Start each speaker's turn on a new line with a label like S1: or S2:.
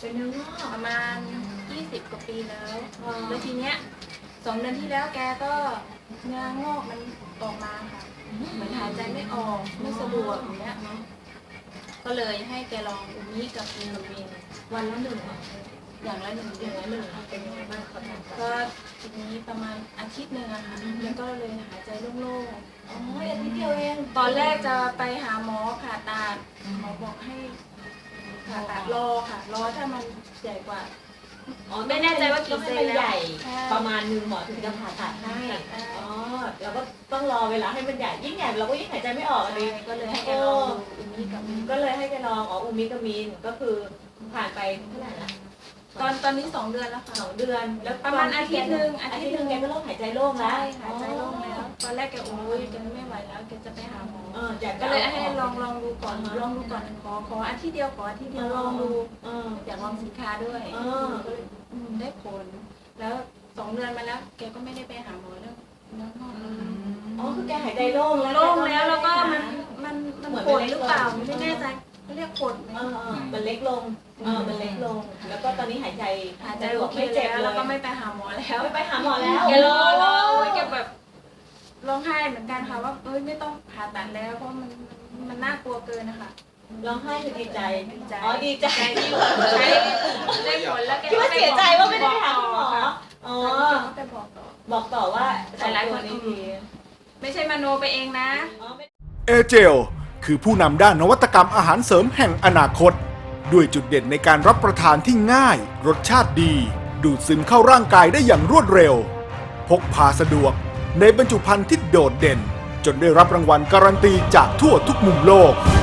S1: เป็นเนื้องอก
S2: ประมาณ20 กว่าปีแล้วแล้วทีเนี้ย2 เดือนที่แล้วแกก็เนื้องอกมันออกมาค่ะเหมือนหายใจไม่ออกไม่สะดวกอย่างเงี้ยก็เลยให้แกลองอูมิกับอินโนเวน
S1: วันละหนึ่ง
S2: อย่างละ1
S1: อย่างละหนึ่งเป็นยังไงบ้างครับ
S2: ก็ทีนี้ประมาณอาทิตย์หนึ่งอะค่ะแล้วก็เลยหายใจโล่ง
S1: อ๋ออาทิตย์เดียวเอง
S2: ๆตอนแรกจะไปหาหมอผ่าตัดหมอบอกให้ผ่าตัดรอค่ะรอถ้ามันใหญ่กว่า ไม่แน่ใจว่ากี่เซนแล้ว
S1: ใหญ่
S2: ใช่
S1: ประมาณนึงหมอถึงจะผ่าตัดให้อ๋อเราก็ต้องรอเวลาให้มันใหญ่ยิ่งใหญ่เราก็ยิ่งหายใจไม่ออกอันนี้
S2: ก็เลยให้แกลองดูอูมิกับอิน
S1: ก็เลยให้แกลองอูมิกามินก็คือผ่านไปเท่าไหร่ละ
S2: ตอนนี้2 เดือนแล้วค่ะ
S1: 2 เดือนแล้ว
S2: ประมาณอาทิตย์หนึ่ง
S1: แกก็เริ่มหายใจโล่งแล้ว
S2: ใช่หายใจโล่งแล้วตอนแรกแกโอ้ยแกไม่ไหวแล้วแกจะไปหาหมอ
S1: จาก
S2: ก็เลยให้ลองดูก่อนขออาทิตย์เดียวลองดูอยากลองสินค้าด้วยก็เลยได้ผลแล้ว2 เดือนมาแล้วแกก็ไม่ได้ไปหาหมอแล้วแล้วงอกเลย
S1: อ๋อคือแกหายใจโล่งแล้ว
S2: โล่งแล้วแล้วก็มันปวดหรือเปล่าไม่แน่ใจเขาเรียกปวดไหม
S1: มันเล็กลงมันเล็กลง แล้วก็ตอนนี้หายใจ
S2: โอเค
S1: ไม่เจ็บ
S2: แล้ว
S1: เล
S2: แล้วก็
S1: ย
S2: ไม่ไปหาหมอแล้ว
S1: ไม่ไปหาหมอแล้ว
S2: แกรอโอ้ยแกแบบร้องไห้เหมือนกันค่ะว่าเอ้ยไม่ต้องผ่าตัดแล้วเพราะมันน่ากลัวเกินนะคะ
S1: ร้องไห้คือดีใจ
S2: ดีใจ
S1: อ๋อดีใจ
S2: ที่ได้ผลแล้วแก
S1: คิดว่าเสียใจว่าไม่ได้ไปหาหมออ๋อ
S2: ก็ไปบอกต่อ
S1: บอกต่อว่า
S2: หลายๆคน
S1: นี้ดี
S2: ไม่ใช่มโนไปเองนะ
S3: เอเจลคือผู้นำด้านนวัตกรรมอาหารเสริมแห่งอนาคต ด้วยจุดเด่นในการรับประทานที่ง่าย รสชาติดี ดูดซึมเข้าร่างกายได้อย่างรวดเร็ว พกพาสะดวกในบรรจุภัณฑ์ที่โดดเด่น จนได้รับรางวัลการันตีจากทั่วทุกมุมโลก